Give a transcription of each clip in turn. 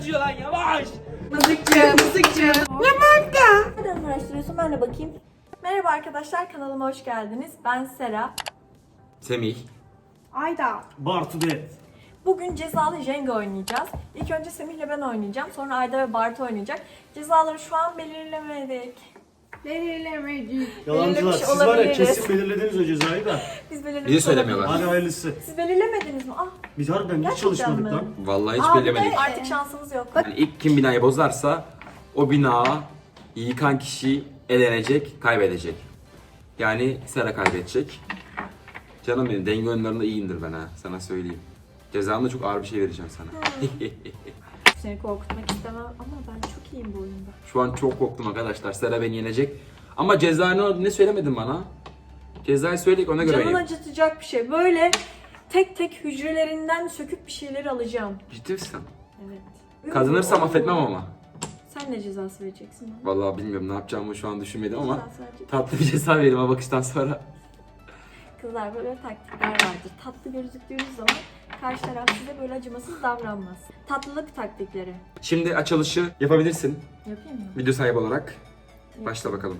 yazıyor lan yavaş. Mızıkçı. Nereden araştırıyorsun? Ben de bakayım. Merhaba arkadaşlar, kanalıma hoş geldiniz. Ben Sera. Semih. Ayda. Bartu de. Bugün cezalı Jenga oynayacağız. İlk önce Semih'le ben oynayacağım. Sonra Ayda ve Bartu oynayacak. Cezaları şu an belirlemedik. Belirlemedik. Yalancılar. şey Siz var ya olabiliriz. kesin belirlediniz o cezayı da. Biz belirlemiş Bizi söylemiyorlar. olabiliriz. Hadi hayırlısı. Siz belirlemediniz mi? Ah, Biz harbiden hiç Gerçekten çalışmadık mi? lan. Vallahi hiç Aa, belirlemedik. artık şansımız yok. Yani ilk kim binayı bozarsa o bina yıkan kişi elenecek, kaybedecek. Yani Sera kaybedecek. Canım benim denge oyunlarında iyiyimdir ben ha, sana söyleyeyim. Cezamda çok ağır bir şey vereceğim sana. Seni korkutmak istemem ama ben çok iyiyim bu oyunda. Şu an çok korktum arkadaşlar. Sera beni yenecek. Ama cezanı ne söylemedin bana? Cezayı söyledik ona göre Canını oynayayım. acıtacak bir şey. Böyle tek tek hücrelerinden söküp bir şeyleri alacağım. Ciddi misin? Evet. Kazanırsam affetmem ama. Sen ne cezası vereceksin bana? Vallahi bilmiyorum ne yapacağımı şu an düşünmedim ama Cezası vereceksin. tatlı bir ceza verelim o bakıştan sonra. Kızlar böyle taktikler vardır. Tatlı gözüktüğünüz zaman karşı taraf size böyle acımasız davranmaz. Tatlılık taktikleri. Şimdi açılışı yapabilirsin Yapayım mı? video sahibi olarak. Başla bakalım.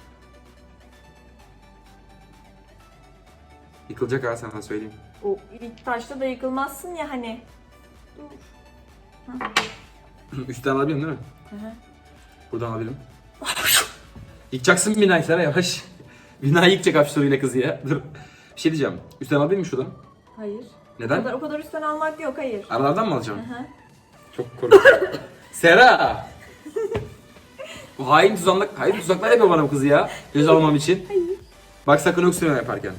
Yıkılacak ha sana söyleyeyim. O ilk taşta da yıkılmazsın ya hani. Dur. Üstten alabilirim değil mi? Hı hı. Buradan alabilirim. Yıkacaksın binayı Sera yavaş. Binayı yıkacak hapşuruyla kızı ya. Dur. Bir şey diyeceğim. Üstten alabilir miyim şuradan? Hayır. Neden? O kadar üstten almak yok, hayır. Aralardan mı alacağım? Hı hı. Çok korkuyorum. Sera! Bu hain tuzaklar yapıyor bana bu kızı ya. Göz almam için. Bak sakın öksürme yaparken.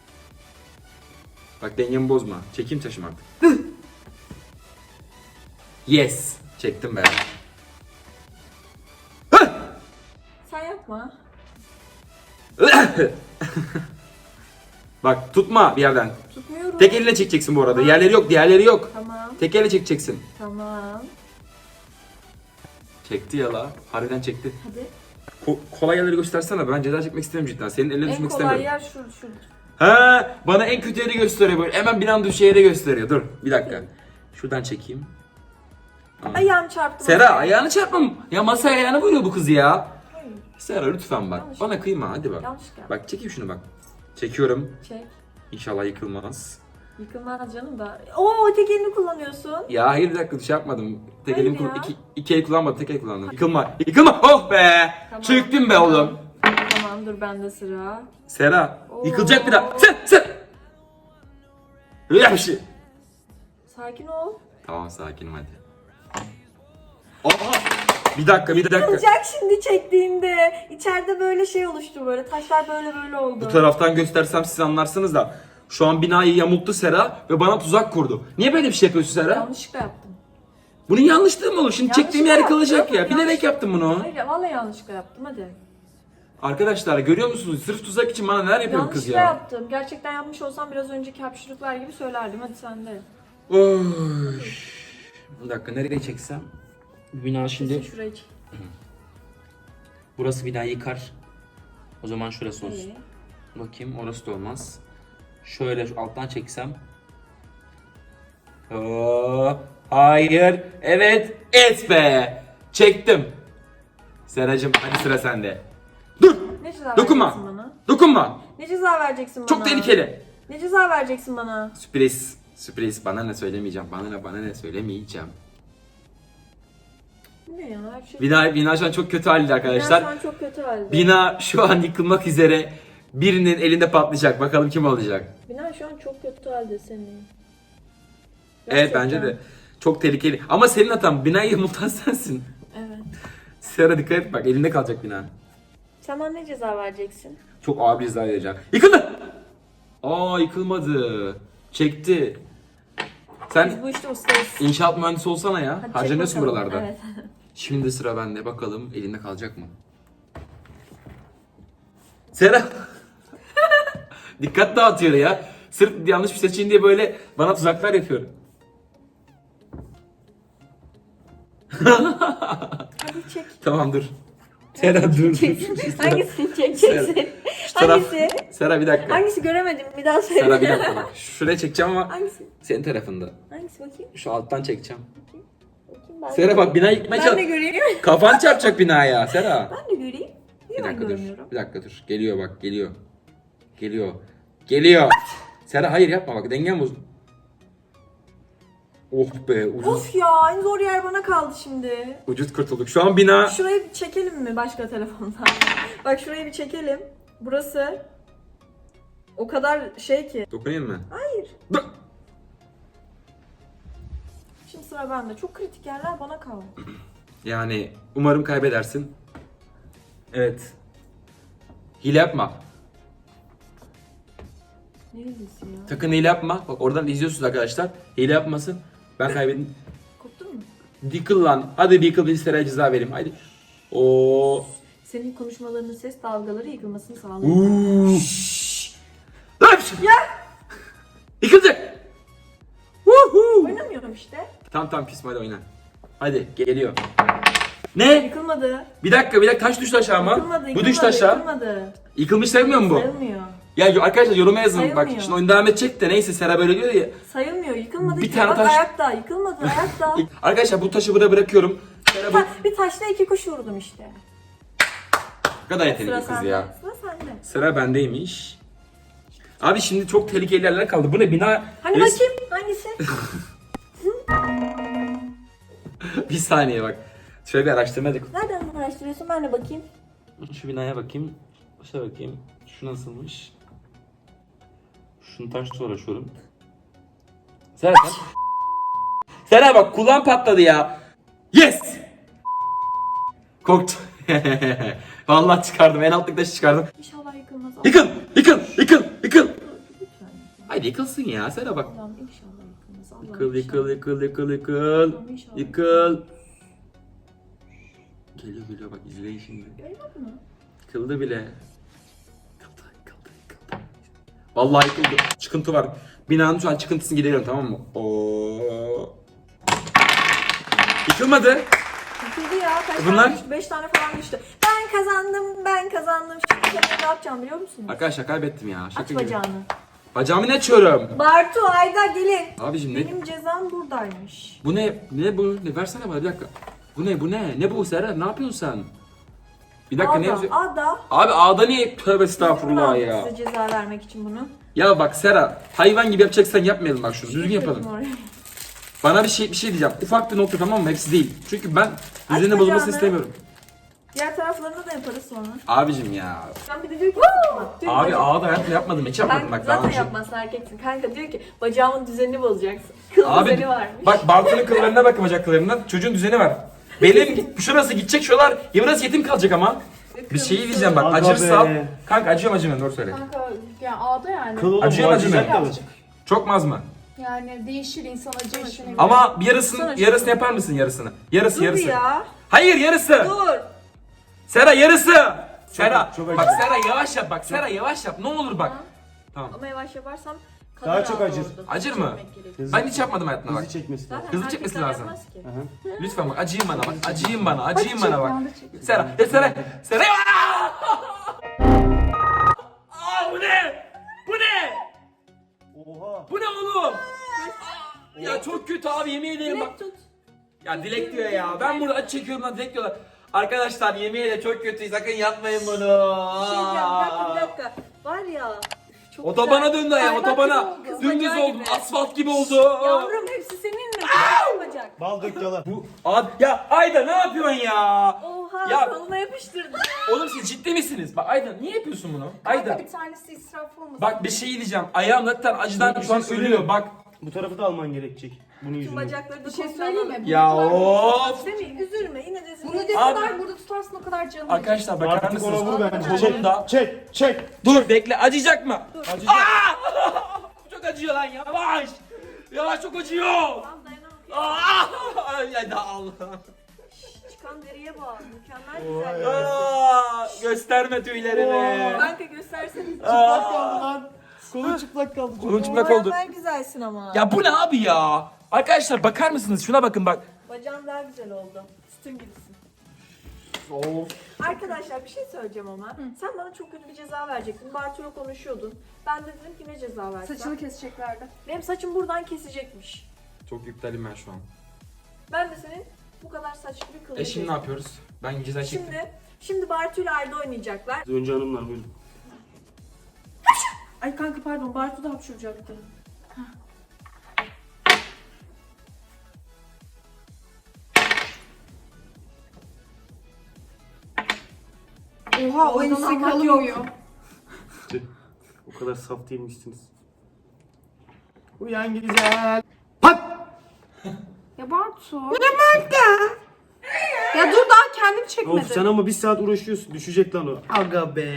Bak dengemi bozma. Çekeyim taşım artık. Yes! Çektim be. Sen yapma. Bak tutma bir yerden. Tutmuyorum. Tek eline çekeceksin bu arada. Diğerleri yok, diğerleri yok. Tamam. Tek elle çekeceksin. Tamam. Çekti ya la. Harbiden çekti. Hadi. Kolay yerleri göstersene. Ben ceza çekmek istemiyorum cidden. Senin eline En düşmek kolay istemiyorum. yer şu. Ha, bana en kötü yeri gösteriyor böyle. Hemen bir anda düşeceği yeri gösteriyor. Dur bir dakika. Şuradan çekeyim. Ayağım çarptı. Sera masaya. ayağını çarpmam. Ya masaya ayağını vuruyor bu kız ya. Hayır. Sera lütfen bak. Yanlış. Bana kıyma hadi bak. Yanlışlıkla. Bak çekeyim şunu bak. Çekiyorum. Çek. İnşallah yıkılmaz. Yıkılmaz canım da. Oo, tek elini kullanıyorsun. Ya hayır bir dakika şey yapmadım. Tek Hayır elim ya. iki el kullanmadım. Tek el kullandım. Yıkılma. Yıkılma. Oh be. Tamam. Çöktüm be oğlum. Tamam, dur bende sıra. Sera. Oo. Yıkılacak bir daha. Sen. Öyle bir şey. Sakin ol. Tamam sakinim hadi. Aha. Bir dakika. Yıkılacak şimdi çektiğinde. İçeride böyle şey oluştu böyle. Taşlar böyle oldu. Bu taraftan göstersem siz anlarsınız da. Şu an binayı yamulttu Sera ve bana tuzak kurdu. Niye böyle bir şey yapıyorsun Sera? Yanlışlıkla yaptım. Bunun yanlışlığı mı olur? Şimdi çektiğim yer Yanlışlıkla yıkılacak ya. yaptım. Bilerek yaptım bunu. Hayır, vallahi yanlışlıkla yaptım, hadi. Arkadaşlar görüyor musunuz? Sırf tuzak için bana neler yapıyor bu kız Yanlışlıkla ya. yaptım. Gerçekten yapmış olsam biraz önceki hapşırıklar gibi söylerdim. Hadi sen de. Oy. Bir dakika nereye çeksem? Bina şimdi Şurayı çek. burası binayı yıkar. O zaman şurası olsun. İyi. Bakayım orası da olmaz. Şöyle şu alttan çeksem. Oo, hayır. Evet. Et be. Çektim. Seracığım hadi sıra sende. Dur. Ne ceza Dokunma. vereceksin bana? Dokunma. Ne ceza vereceksin bana? Çok tehlikeli. Ne ceza vereceksin bana? Sürpriz. Sürpriz. Bana ne söylemeyeceğim. Bana ne söylemeyeceğim. Bu ne ya? Her şey... Bina şu an çok kötü halde Bina arkadaşlar. şu an çok kötü halde. Bina şu an yıkılmak üzere. Birinin elinde patlayacak. Bakalım kim olacak. Bina şu an çok kötü halde senin. Evet bence de. Çok tehlikeli. Ama senin hatan. Binayı yamultan sensin. Evet. Sera dikkat et bak. Elinde kalacak bina. Sen bana ne ceza vereceksin? Çok ağır bir ceza vereceğim. Yıkıldı. Aa yıkılmadı. Çekti. Biz Sen bu işte ustayız. inşaat mühendisi olsana ya. Hadi çek Harcanıyorsun bakalım. buralarda. Evet. Şimdi sıra bende. Bakalım elinde kalacak mı? Sera. Dikkat dağıtıyor ya. Sırf yanlış bir seçeyim diye böyle bana tuzaklar yapıyor. Hadi çek. Tamam dur. Sera dur. Hangisini çekeceksin? Şu taraf. Hangisi? Sera bir dakika. Hangisi göremedim, bir daha söyle. Sera bir dakika bak. Şuraya çekeceğim ama Hangisi? senin tarafında. Hangisi bakayım? Şu alttan çekeceğim. Bakayım. Ben Sera bak bina yıkmaya Ben de çalış. göreyim. Kafan çarpacak binaya Sera. Ben de göreyim. Niye Bir ben dakika dur. görmüyorum? Bir dakika dur. Geliyor bak geliyor. Geliyor. Geliyor. Sera hayır yapma bak dengem bozuldu. Oh be ucuz. Of ya, en zor yer bana kaldı şimdi. Ucuz kurtulduk. Şu an bina. Şurayı bir çekelim mi başka telefondan? Bak şurayı bir çekelim. Burası o kadar şey ki. Dokunayım mı? Hayır. Dur. Şimdi sıra bende. Çok kritik yerler bana kaldı. Yani umarım kaybedersin. Evet. Hile yapma. Ne ilgisi ya? Sakın hile yapma. Bak oradan izliyorsunuz arkadaşlar. Hile yapmasın. Ben kaybettim. Koptun mu? Dikıl lan. Hadi Dikıl bir Sera'ya ceza vereyim. Hadi. Oo. Senin konuşmalarının ses dalgaları yıkılmasını sağlıyor. Uuu. Lan! Ya! Yıkılacak. Woohoo! Oynamıyorum işte. Tamam küsme hadi oyna. Hadi geliyor. Ne? Yıkılmadı. Bir dakika kaç düştü aşağı ama? Yıkılmadı. Bu düştü aşağı. Yıkılmadı. Yıkılmış sayılmıyor mu bu? Sayılmıyor. Ya arkadaşlar yoruma yazın. Bak Sayılmıyor. şimdi oyun devam edecek de neyse Sera böyle diyor ya. Sayılmıyor. Yıkılmadı. Bir ki. tane Bak taş- ayakta. Yıkılmadı. Ayakta. Arkadaşlar bu taşı buraya bırakıyorum. Sera bu Bir taşla 2 kuş vurdum işte. kadar Sıra yetenekli kız sende. ya. Sıra sende. Sıra bendeymiş. Abi şimdi çok tehlikeli yerler kaldı. Bu ne bina? Hani bakayım hangisi? Bir saniye bak. Şöyle bir araştırma yapalım. Nereden araştırıyorsun? Ben de bakayım. Şu binaya bakayım. Şuna bakayım. Şu nasılmış? Şunu taşla uğraşıyorum. Sera sen. Sera bak kulağım patladı ya. Yes! Korktum. Vallahi çıkardım. En alttaki taşı çıkardım. İnşallah yıkılmaz. Yıkıl! Yıkıl! Yıkıl! Yıkıl! Lütfen. Haydi yıkılsın ya. Sera bak. Allah'ım inşallah yıkılmaz. Allah'ım Yıkıl, inşallah. yıkıl. Allah'ım inşallah. Yıkıl. Geliyor bak izleyin şimdi. Görmedin mi? Yıkıldı bile. Yıkıldı. Vallahi yıkıldı. Çıkıntı var. Binanın şu an çıkıntısını gideriyorum tamam mı? Oo. Yıkılmadı. Yıkıldı ya. Kaç Bunlar- tane düştü? 5 tane falan düştü. Ben kazandım. Şimdi sen ne yapacağım biliyor musun? Arkadaşlar kaybettim ya. Şaka Aç gibi. bacağını. Bacağımı ne açıyorum? Bartu, Ayda gelin. Abicim ne? Benim cezam buradaymış. Bu ne? Ne bu? Ne versene bana bir dakika. Bu ne? Ne bu Sera? Ne yapıyorsun sen? Bir dakika ne yazıyor? Ada. Abi ağda niye? Tövbe estağfurullah Kim aldı ya. size ceza vermek için bunu? Ya bak Sera, hayvan gibi yapacaksan yapmayalım bak şunu. Düzgün yapalım. Oraya. Bana bir şey diyeceğim. Ufak bir nokta tamam mı? Hepsi değil. Çünkü ben düzeni bacağını. bozulmasını istemiyorum. Diğer taraflarını da yaparız sonra. Abicim ya. Ben bir de diyor ki diyor Abi ki, ağda hayatımda yapmadım. Hiç yapmadım ben bak daha zaten önce. yapmazsın erkeksin. Kanka diyor ki bacağımın düzenini bozacaksın. Kıl Abi düzeni varmış. bak Bartu'nun kıllarına bakın bacaklarından. Çocuğun düzeni var. Benim şurası gidecek şuralar. Ya burası yetim kalacak ama. Bir şey diyeceğim bak Aga acırsa. be. Kanka acıyorum doğru söyle. Kanka yani ağda yani. Kıl oğlum Acıyor bu mu, acımıyor acıyacak mu? da. Birazcık. Çok az mı? Yani değişir insan acı işine. Ama bir yarısını Sana yarısını yapar mısın yarısını? Yarısı Dur yarısı. ya. Hayır yarısı. Dur. Sera yarısı. Sera. çok Bak acı. Sera yavaş yap bak. Sera yavaş yap. Ne olur bak. Tamam. Ama yavaş yaparsam Daha kadar çok ağır acır. oldu. Acır mı? Çekmek gerekiyor. Hızlı- Ben hiç yapmadım hayatımda bak. Hızlı çekmesi lazım. Zaten Hızlı çekmesi erkekler lazım. yapmaz ki. Aha. Lütfen bak acıyın bana bak. Acıyın bana. Acıyın Hadi bana bak. çek, yanda çek. Sera. Sera. Sera. Aa, bu ne? Bu ne? Oha. Bu ne oğlum? Ya çok kötü abi yemin ederim bak. Direkt tut. Ya Dilek diyor ya. Ben burada acı çekiyorum lan Dilek diyorlar. Arkadaşlar yemin ederim çok kötü. Sakın yapmayın bunu. Bir şey diyeceğim, bir dakika. Var ya. Çok Otobana güzel. döndü ayağım. Ay, bak, Otobana. kız Dümdüz bacağı oldum. gibi. Asfalt gibi oldu. Yavrum hepsi senin mi? Çok bacak. Bal dök yalan. Bu ya Ayda ne yapıyorsun ya? Oha Ya- koluma yapıştırdın. Oğlum siz ciddi misiniz? Bak Ayda niye yapıyorsun bunu? Ayda. Bir tanesi israf olmasın. Bak bir şey diyeceğim. Ayağım zaten acıdan şu an ölüyor bak. Bu tarafı da alman gerekecek. Bunun Tüm yüzünden. bacakları da Bir şey komple söyleyeyim mi? alalım. Ya Bunu of. Semih üzülme yine de Bunu üzülme. ne Abi- kadar burada tutarsın o kadar canım. Arkadaşlar bakar Artık ona mısınız? vur bence. Kolumda. Çek. Dur bekle acıyacak mı? Acıyacak. Bu çok acıyor lan yavaş. Yavaş çok acıyor. Tamam dayanamam. Ay da Allah. Çıkan deriye bak. Mükemmel güzel. Gösterme tüylerimi. Kanka gösterseniz. Çıplak kaldı lan. Kolun çıplak kaldı. Kolun çıplak oldu. Mükemmel güzelsin ama. Ya bu ne abi ya? Arkadaşlar bakar mısınız? Şuna bakın bak. Bacağın daha güzel oldu. Sütun gibisin. Of. Arkadaşlar bir şey söyleyeceğim ama. Sen bana çok kötü bir ceza verecektin. Bartu'yla konuşuyordun. Ben de dedim ki ne ceza versem. Saçını keseceklerdi. Benim saçım buradan kesecekmiş. Çok iptalim ben şu an. Ben de senin Bu kadar saçma bir kılıç. Şimdi ne yapıyoruz? Ben ceza çektim. Şimdi Bartu ile Arda oynayacaklar. Önce hanımlar buyurun. Ay kanka pardon, Bartu da hapşuracaktı. Oha o Oradan elbise almak kalınmıyor. O kadar saf değilmişsiniz. Uyan güzel. Pat! Ya Bartu. Ya dur daha kendim çekmedim. Of sen ama bir saat uğraşıyorsun. Düşecek lan o. Aga be.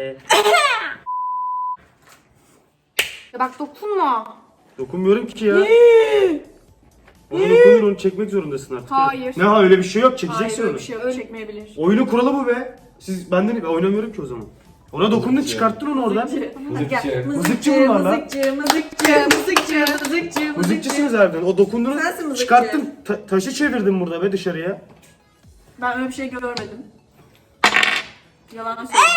Ya bak dokunma. Dokunmuyorum ki ya. Ona dokunur, onu çekmek zorundasın artık. ya. Hayır. Ne ha, öyle bir şey yok, Hayır çekeceksin öyle onu. bir şey yok, çekmeyebilir. Oyunun kuralı bu be. Siz benden oynamıyorum ki o zaman. Ona dokundun, çıkarttın onu oradan. Mızıkçı bunlar lan. Mızıkçı. Mızıkçısınız harbiden. O dokundunuz, Sensin mızıkçı. çıkarttın, taşı çevirdin burada be dışarıya. Ben öyle bir şey görmedim. Yalan söylüyorum.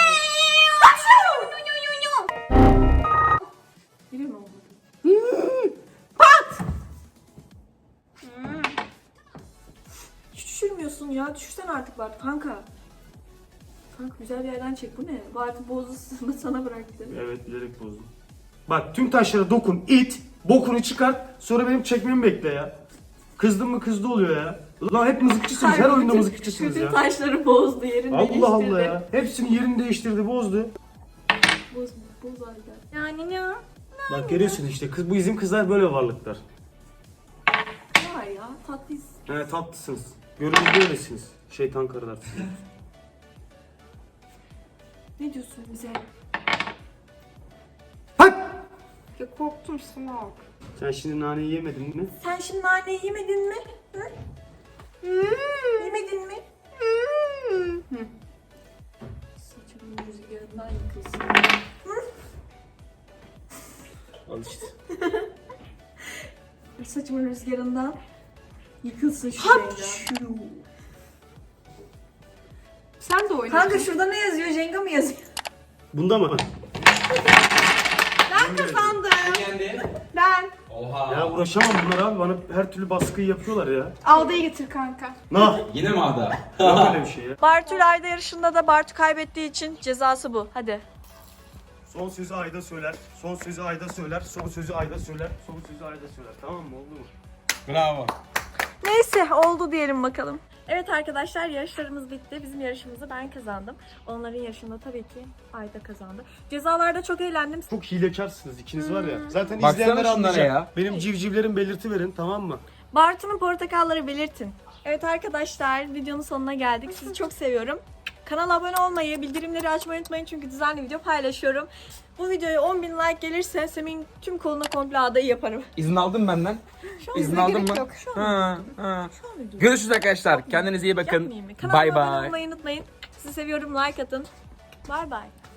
Biliyor musun? Hiç düşürmüyorsun ya. Düşürsen artık Bart. Kanka. Kanka güzel bir yerden çek. Bu ne? Bart'ı bozdu, sana bıraktı. Evet, bilerek bozdum. Bak tüm taşlara dokun, it, bokunu çıkart, sonra benim çekmemi bekle ya. Kızdın mı kızdı oluyor ya. Lan hep mızıkçısınız, her oyunda mızıkçısınız Bütün ya. taşları bozdu, yerini değiştirdi. Allah Allah ya. Hepsini yerini değiştirdi, bozdu. Boz halde. Yani ne? Bak görüyorsun işte, bu bizim kızlar böyle varlıklar. Var ya, tatlıyız. He tatlısınız. Görünürde öylesiniz. Şeytan karılar. Ne diyorsun bize? Hadi! Ya korktum Sınak. Sen şimdi naneyi yemedin mi? Sen şimdi naneyi yemedin mi? Hı? Yemedin mi? Saçımın rüzgarından yıkılsın. Al işte. Saçımın rüzgarından yıkılsın şu Jenga. Sen de oyna. Kanka şurada ne yazıyor? Jenga mı yazıyor? Bunda mı? Ben kazandım. Yendi. Ben. Oha. Ya uğraşamam bunlar abi. Bana her türlü baskıyı yapıyorlar ya. Alda'yı getir kanka. Nah! Yine mi Ada? Yok öyle bir şey ya. Bartu ile Ayda yarışında da Bartu kaybettiği için cezası bu. Hadi. Son sözü Ayda söyler. Son sözü Ayda söyler. Son sözü Ayda söyler. Son sözü Ayda söyler. Tamam mı? Oldu mu? Bravo. Neyse oldu diyelim bakalım. Evet arkadaşlar, yarışlarımız bitti. Bizim yarışımızı ben kazandım. Onların yarışında tabii ki Ayda kazandı. Cezalarda çok eğlendim. Çok hilekarsınız ikiniz var ya. Zaten Baksana izleyenler şunlara anlayacak. ya. Benim civcivlerim belirti verin, tamam mı? Bartu'nun portakalları belirtin. Evet arkadaşlar, videonun sonuna geldik. Sizi çok seviyorum. Kanala abone olmayı, bildirimleri açmayı unutmayın çünkü düzenli video paylaşıyorum. Bu videoya 10.000 like gelirse Semih'in tüm koluna komple ağdayı yaparım. İzin aldın benden. Şu an İzin bize aldın gerek mı? yok. Şu an, Ha. şu an ödül. Görüşürüz arkadaşlar. Kendinize iyi bakın. Yapmayayım mı? Kanalıma Bye abone bye. olmayı unutmayın. Sizi seviyorum, like atın. Bye bye.